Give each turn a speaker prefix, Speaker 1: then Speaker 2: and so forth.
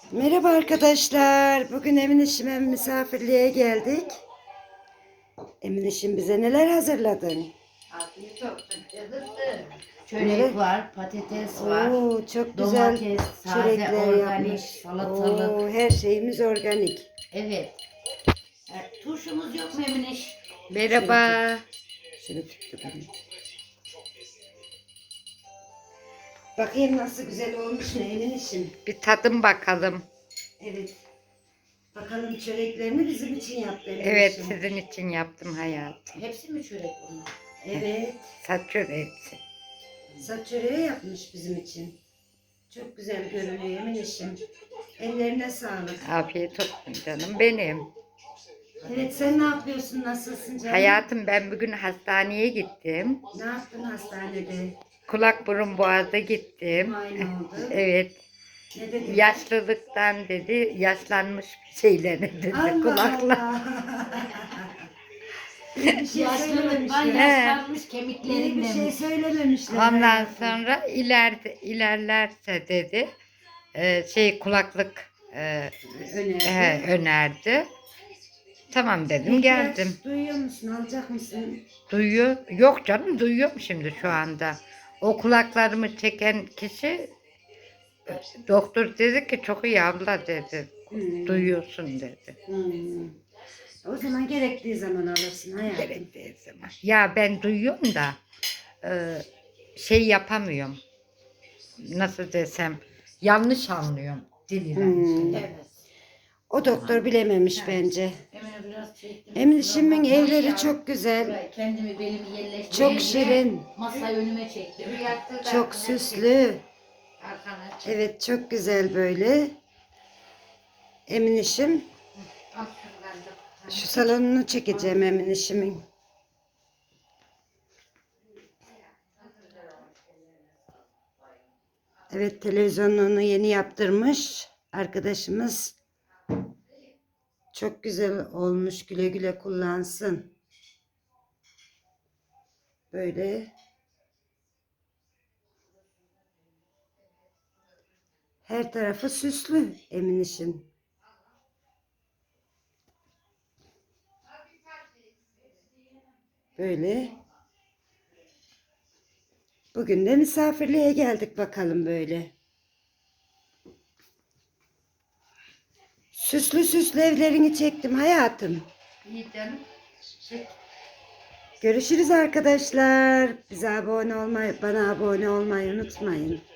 Speaker 1: Merhaba arkadaşlar. Bugün Eminişim'e misafirliğe geldik. Eminişim bize neler hazırladın?
Speaker 2: Afiyet olsun kızım. Çörek
Speaker 1: Neler?
Speaker 2: var, patates var,
Speaker 1: Oo, çok güzel
Speaker 2: domates, taze
Speaker 1: çörekler
Speaker 2: organik,
Speaker 1: yapmış.
Speaker 2: salatalık.
Speaker 1: Oo, her şeyimiz organik.
Speaker 2: Evet. Turşumuz yok mu Emineş?
Speaker 1: Merhaba. Şunu tuttu beni. Bakayım nasıl güzel olmuş mu Eminişim?
Speaker 3: Bir tadım bakalım.
Speaker 1: Evet. Bakalım çöreklerini bizim için yaptı Eminişim.
Speaker 3: Evet, sizin için yaptım hayatım.
Speaker 2: Hepsi mi çörek bunlar?
Speaker 1: Evet.
Speaker 3: Saç çöreği.
Speaker 1: Saç çöreği yapmış bizim için. Çok güzel görünüyor Eminişim. Ellerine sağlık.
Speaker 3: Afiyet olsun canım benim.
Speaker 1: Evet, sen ne yapıyorsun? Nasılsın canım?
Speaker 3: Hayatım, ben bugün hastaneye gittim.
Speaker 1: Ne yaptın hastanede?
Speaker 3: Kulak burun boğaza gittim.
Speaker 1: Muayene oldu.
Speaker 3: Evet.
Speaker 1: Ne dedin?
Speaker 3: Yaşlılıktan dedi, yaşlanmış bir şeyler dedi
Speaker 1: Allah
Speaker 3: kulaklar.
Speaker 1: Allah. Bir şey
Speaker 2: Yaşlılık var,
Speaker 1: söylememişler.
Speaker 2: yaşlanmış
Speaker 1: İyi bir
Speaker 2: kemiklerim
Speaker 1: şey
Speaker 2: demiş.
Speaker 1: söylememişler.
Speaker 3: Ondan
Speaker 1: hayatım.
Speaker 3: sonra ilerlerse dedi, kulaklık
Speaker 1: Önerdi.
Speaker 3: önerdi. Tamam dedim,
Speaker 1: İhtiyaç
Speaker 3: geldim.
Speaker 1: duyuyor musun? Alacak mısın?
Speaker 3: Duyuyor. Yok canım, duyuyorum şimdi şu anda. O kulaklarımı çeken kişi doktor dedi ki çok iyi abla dedi. Duyuyorsun dedi.
Speaker 1: Hmm. O zaman gerektiği zaman alırsın hayatım.
Speaker 3: Gerektiği zaman. Ya ben duyuyorum da şey yapamıyorum. Nasıl desem, yanlış anlıyorum diliyle.
Speaker 2: Evet.
Speaker 1: O doktor bilememiş bence.
Speaker 2: Emine biraz çektim.
Speaker 1: Eminişimin
Speaker 2: Şuraya
Speaker 1: evleri
Speaker 2: bakma.
Speaker 1: çok güzel.
Speaker 2: Şuraya kendimi belimi yerleştirdim.
Speaker 1: Çok şirin.
Speaker 2: Masayı önüme çektim.
Speaker 1: Çok süslü.
Speaker 2: Arkana çek.
Speaker 1: Evet, çok güzel böyle. Eminişim.
Speaker 2: Al şuradan da.
Speaker 1: Şu salonunu çekeceğim Eminişimin. Evet, televizyonunu yeni yaptırmış arkadaşımız. Çok güzel olmuş. Güle güle kullansın. Böyle. Her tarafı süslü Eminişin. Böyle. Bugün de misafirliğe geldik bakalım böyle. Süslü süslü evlerini çektim hayatım.
Speaker 3: İyi canım.
Speaker 1: Görüşürüz arkadaşlar. Bize abone olmayı, bana abone olmayı unutmayın.